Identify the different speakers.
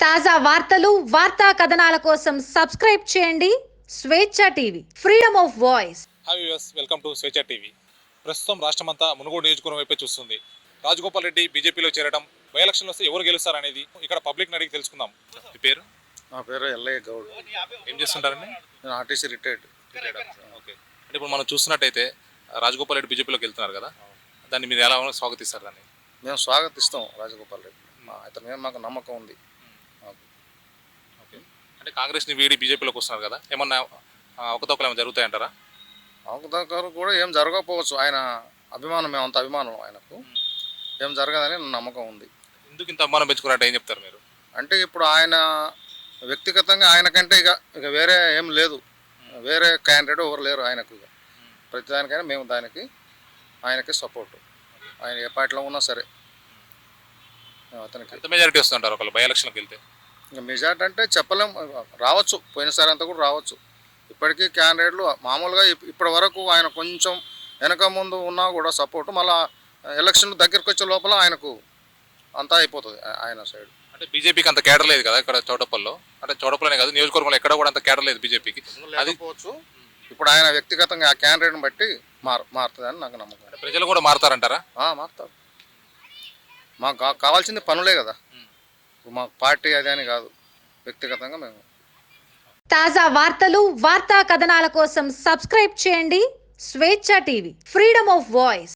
Speaker 1: తాజా వార్తలు వార్తా కథనాల కోసం సబ్స్క్రైబ్ చేయండి Swechha TV, freedom of voice.
Speaker 2: Hi viewers, welcome to Swechha TV. ప్రస్తుతం రాష్ట్రమంతా మునుగోడు నియోజకవర్గం వైపే చూస్తుంది. రాజగోపాల్ రెడ్డి బీజేపీలో చేరడం, బై ఎలక్షన్లో వస్తే ఎవరు గెలుస్తారనేది ఇక్కడ పబ్లిక్ అడిగి తెలుసుకుందాం. మీ పేరు?
Speaker 3: నా పేరు ఎల్లయ్య గౌడ్.
Speaker 2: ఏం చేస్తుంటారండి?
Speaker 3: నేను ఆర్టీసీ రిటైర్డ్.
Speaker 2: ఓకే. అంటే ఇప్పుడు మనం చూస్తున్నట్టయితే రాజగోపాల్ రెడ్డి బీజేపీలోకి వెళ్తున్నారు కదా, దాన్ని మీరు ఎలా స్వాగతిస్తారు? దాన్ని
Speaker 3: మేము స్వాగతిస్తాం. రాజగోపాల్ రెడ్డి అతని మీద మాకు నమ్మకం ఉంది.
Speaker 2: ఓకే. అంటే కాంగ్రెస్ని వీడి బీజేపీలోకి వస్తున్నారు కదా, ఏమన్నా అవకతవకలు ఏమైనా జరుగుతాయంటారా?
Speaker 3: అవకతవకలు కూడా ఏం జరగకపోవచ్చు. ఆయన అభిమానం, మేమంత అభిమానం ఆయనకు, ఏం జరగదని నమ్మకం ఉంది.
Speaker 2: ఎందుకు ఇంత అభిమానం పెంచుకున్నట్టు ఏం చెప్తారు మీరు?
Speaker 3: అంటే ఇప్పుడు ఆయన వ్యక్తిగతంగా ఆయనకంటే ఇక వేరే ఏం లేదు, వేరే క్యాండిడేట్ ఎవరు లేరు ఆయనకు. ఇక ప్రతిదానికైనా మేము ఆయనకి సపోర్టు. ఆయన ఏ పార్టీలో ఉన్నా సరే అతనికి.
Speaker 2: ఎంత మెజారిటీ వస్తుంటారు ఒకళ్ళు బై ఎలక్షన్కి వెళ్తే?
Speaker 3: ఇంకా మెజార్టీ అంటే చెప్పలేం, రావచ్చు. పోయినసారి అంతా కూడా రావచ్చు. ఇప్పటికీ క్యాండిడేట్లు మామూలుగా ఇప్పటి వరకు ఆయన కొంచెం వెనక ముందు ఉన్నా కూడా సపోర్టు, మళ్ళీ ఎలక్షన్ దగ్గరికి వచ్చే లోపల ఆయనకు అంతా అయిపోతుంది ఆయన సైడ్.
Speaker 2: అంటే బీజేపీకి అంత కేడర్ లేదు కదా ఇక్కడ చౌటప్పల్లో, అంటే చౌటప్పలోనే కాదు నియోజకవర్గంలో ఎక్కడ కూడా అంత కేడర్ లేదు బీజేపీకి. అది
Speaker 3: పోవచ్చు. ఇప్పుడు ఆయన వ్యక్తిగతంగా ఆ క్యాండిడేట్ని బట్టి మారుతుందని నాకు నమ్మకం.
Speaker 2: ప్రజలు కూడా మారుతారంటారా?
Speaker 3: మారుతారు. మాకు కావాల్సింది పనులే కదా, మాకు పార్టీ అదే అని కాదు, వ్యక్తిగతంగా మేము.
Speaker 1: తాజా వార్తలు వార్తా కథనాల కోసం సబ్స్క్రైబ్ చేయండి Swechha TV, freedom of voice.